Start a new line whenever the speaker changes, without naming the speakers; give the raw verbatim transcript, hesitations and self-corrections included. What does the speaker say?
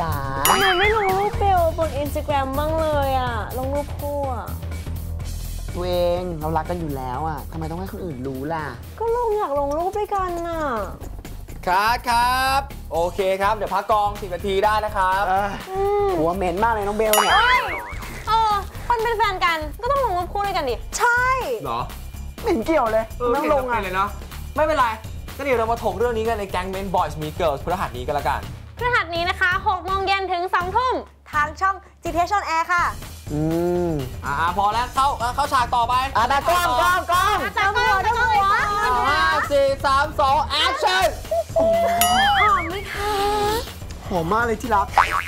จ๋า
ทำไมไม่ลงรูปเบลบนอินสตาแกรมบ้างเลยอ่ะลงรูปคู่อ่ะ
ตัวเองเรารักกันอยู่แล้วอ่ะทำไมต้องให้คนอื่นรู้ล่ะ
ก็ลงอยากลงรูปด้วยกันน่ะ
ครับครับโอเคครับเดี๋ยวพักกองสิบนาทีได้นะครับ
หัวเหม็นมากเลยน้องเบลเนี่ย
เออคนเป็นแฟนกันก็ต้องลงรูปคู่ด้วยกันดิใช่
เหรอ
ไม่เห็นเกี่ยวเลยต้องลงอ่ะ
เลยเนาะไม่เป็นไรก็เดี๋ยวเรามาถกเรื่องนี้กันในแก๊งเมนบอยส์มีเกิร์ลพฤหัสนี้กันละกัน
พฤหัสนี้นะคะหกโมงเย็นถึงสองทุ่มทางช่อง จี ที เอช on Air ค่ะ
อืม
อ่าพอแล้วเข้าเข้าฉากต่อไป
อ่ะตากล้องกล้องกล้อง
ตากล้องตากล้อง
ห้าสี่สามสองแอคชั่น
หอมไหมคะ
หอมมากเลยที่รัก